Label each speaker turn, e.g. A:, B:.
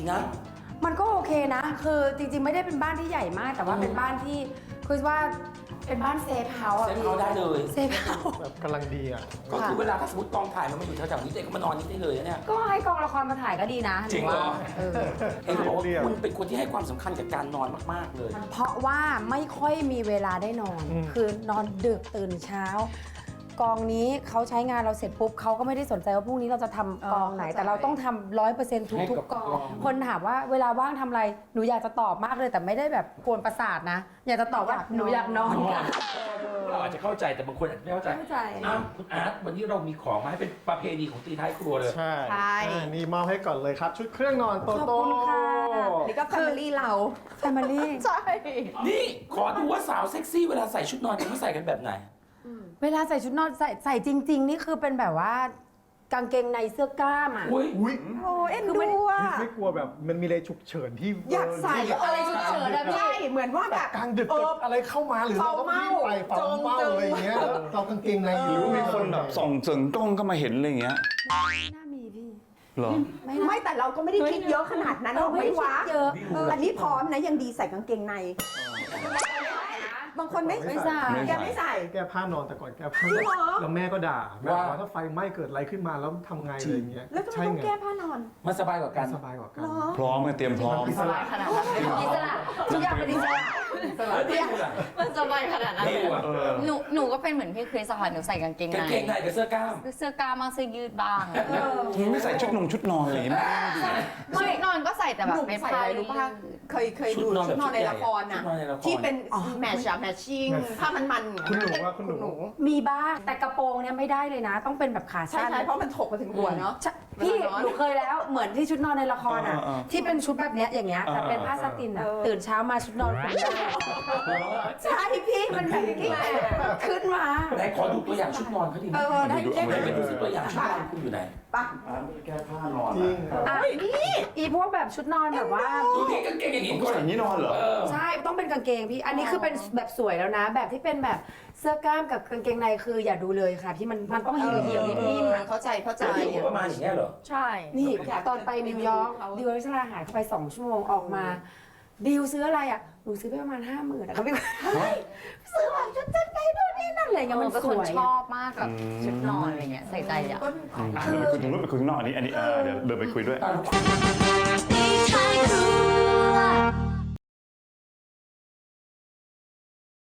A: นะ
B: มันก็โอเคนะคือจริงๆไม่ได้เป็นบ้านที่ใหญ่มากแต่ว่าเป็นบ้านที่คือว่าเป็นบ้านเซฟเฮาส์
A: เซฟเฮาส์ได้เลย
B: เซฟเฮาส์
C: แบบกำลังดีอ่ะ
A: ก็คือเวลาถ้าสมมติกองถ่ายมันมาอยู่แถวๆนี้เด็กก็มานอนนี่ได้เลยเนี่ย
B: ก็ให้กองละครมาถ่ายก็ดีนะ
A: จริงเหรอ
B: เออ
A: เห็นบอกว่าคุณเป็นคนที่ให้ความสำคัญกับการนอนมากๆเลย
B: เพราะว่าไม่ค่อยมีเวลาได้นอน คือนอนดึกตื่นเช้า กองนี้เขาใช้งานเราเสร็จปุ๊บเขาก็ไม่ได้สนใจว่าพรุ่งนี้เราจะทำกองไหน แต่เราต้องทำ100%ทุกๆกอง คนถามว่าเวลาว่างทำอะไรหนูอยากจะตอบมากเลยแต่ไม่ได้แบบกวนประสาทนะ อยากจะตอบว่าหนูอยากนอนค่ะ
A: เราอาจจะเข้าใจแต่บางคนอาจจะไม่เข้าใจ
B: เข้าใจ
A: อ้าวคุณอาร์ตวันนี้เรามีของมาให้เป็นประเพณีของตีท้ายครัวเลย
C: ใช่
D: ใช่
C: นี่มอบให้ก่อนเลยครับ ชุดเครื่องนอนโต
B: ขอบ
C: โต้
B: คุณค่ะ
D: นี่ก็แฟมิลี่เรา
B: แฟมิลี่
D: ใช่
A: นี่ขอดูว่าสาวเซ็กซี่เวลาใส่ชุดนอนเขาใส่กันแบบไหน
B: เวลาใส่ชุดนอนใส่จริง ๆ นี่คือเป็นแบบว่ากางเกงในเสื้อกล้ามอ่ะ
A: อุ้ย
C: อุ้ย
D: โอ้เอ็นดูอ่ะ
C: ไม่กลัวแบบมันมีอะไรฉุกเฉินที่
D: อยากใส่
B: อะไรฉุกเฉินอะพี่
D: ใช่เหมือนว่าแบบ
C: กลางดึกเกิดอะไรเข้ามาหรือเราต้องรีบไปเฝ้าเฝ้าอะไรอย่างเงี้ยแล้วเรากางเกงในอยู่
E: หรือว่ามีคนแบบส่องเสริงกล้องเข้ามาเห็นอะไรอย่างเงี้ย
B: ไม่น่ามีพี่
E: เหรอ
D: ไม่แต่เราก็ไม่ได้คิดเยอะขนาดนั้นหรอกไม่วะ
B: เยอะ
D: อันนี้พร้อมนะยังดีใส่กางเกงใน บางคนไม่
B: ไม่ใส่
D: แกไม่ใส่
C: แก้ผ้านอนแต่ก่อนแก้ผ้า
D: จริงเหรอ
C: แล้วแม่ก็ด่าแม่บอกว่าถ้าไฟไหม้เกิดอะไรขึ้นมาแล้วทำไงอะไรอย่างเงี้ย
D: แล้วทำไม
C: ใช่
D: ต้อง
C: ไง
D: แก้ผ้านอน
A: มันสบายกว่ากัน
C: สบายกว่ากัน
D: เหรอ
E: พร้อมไงเตรียมพร้อม
C: อิสระ
B: ขนาดนั้นอิสระทุกอย่างเป็นอิสระ
A: แล้วนี่คุณล่ะ
F: มันสบายขนาดนั้น
A: นี่ว่ะ
F: หนูก็เป็นเหมือนพี่คริสอะค่ะหนูใส่กางเกง
A: กาง
F: ใน
A: เกงในกับเสื้อกล้าม
F: เสื้อกล้ามบ้างเสื้อยืดบ้าง
E: ไม่ใส่ชุดนอนอะไรอย่างเงี้ย
F: ชุดนอนก็ใส่แต่แบ
D: ห
F: บ
D: นุ่ม
F: เป็น
D: ใส่
F: ผ้า
D: อะไรรู้ป่ะเคยดูชุดนอนในละครน่ะ
A: ชุดนอนในละคร
D: ที่เป็นแมทช์แมทชิ่งผ้ามันๆ
C: คุณหนูว่าคุณหนู
B: มีบ้างแต่กระโปรงเนี่ยไม่ได้เลยนะ ต้องเป็นแบบขา
D: ใช่
B: สั้น
D: ใช่เพราะมันถกมาถึงหัวเนาะ
B: ใช่พี่
D: เวลานอน
B: หนูเคยแล้วเหมือนที่ชุดนอนในละครอ่ะ ที่เป็นชุดแบบเนี้ยอย่างเงี้ยแต่เป็นผ้าสตินอ่ะตื่นเช้ามาชุดนอนคุณได้
D: ใช่พี่มันแบบนี้
B: ขึ้นมา
A: ไหนขอดูตัวอย่างชุดนอนเขาดีไหม
D: ได้
A: ไหนไปดูสิตัวอย่างชุดนอนคุณอยู่ไหน
D: ปะ
E: แก้ผ้านอน
C: จริง
B: อ่ะอีพวกแบบชุดนอนแบบว่า
A: ดูดิกางเกงอย่างนี้
E: ผมก็ใส่อย่างนี้นอนเหรอ
B: ใช่ต้องเป็นกางเกงพี่อันนี้คือเป็นแบบสวยแล้วนะ แบบที่เป็นแบบเสื้อกล้ามกับกางเกงในคืออย่าดูเลยค่ะที่มันต้องเหี่ยวๆนิ่มๆอะ
D: เข้าใจ
A: จะอยู่ประมาณอย่างเงี้ยเหรอ
F: ใช่
B: นี่ตอนไปนิวยอร์กดิวอริสราหายเข้าไป2 ชั่วโมงออกมาดิวซื้ออะไรอ่ะหนูซื้อไปประมาณ50,000อะครับพี่ซื้อแบบชุดชั้นในด้วยนี่นั่นอะไรเงี้ยมัน
F: เป็น
B: ส
F: คน
B: วย
F: ชอบมากกับชุดนอนอะไรเงี้ยใส่ใจอ่ะ
E: เดี๋ยวไปคุยตรงนู้นไปคุยข้างนอกอันนี้เดี๋ยวเดินไปคุยด้วย
G: ตีท้ายครัว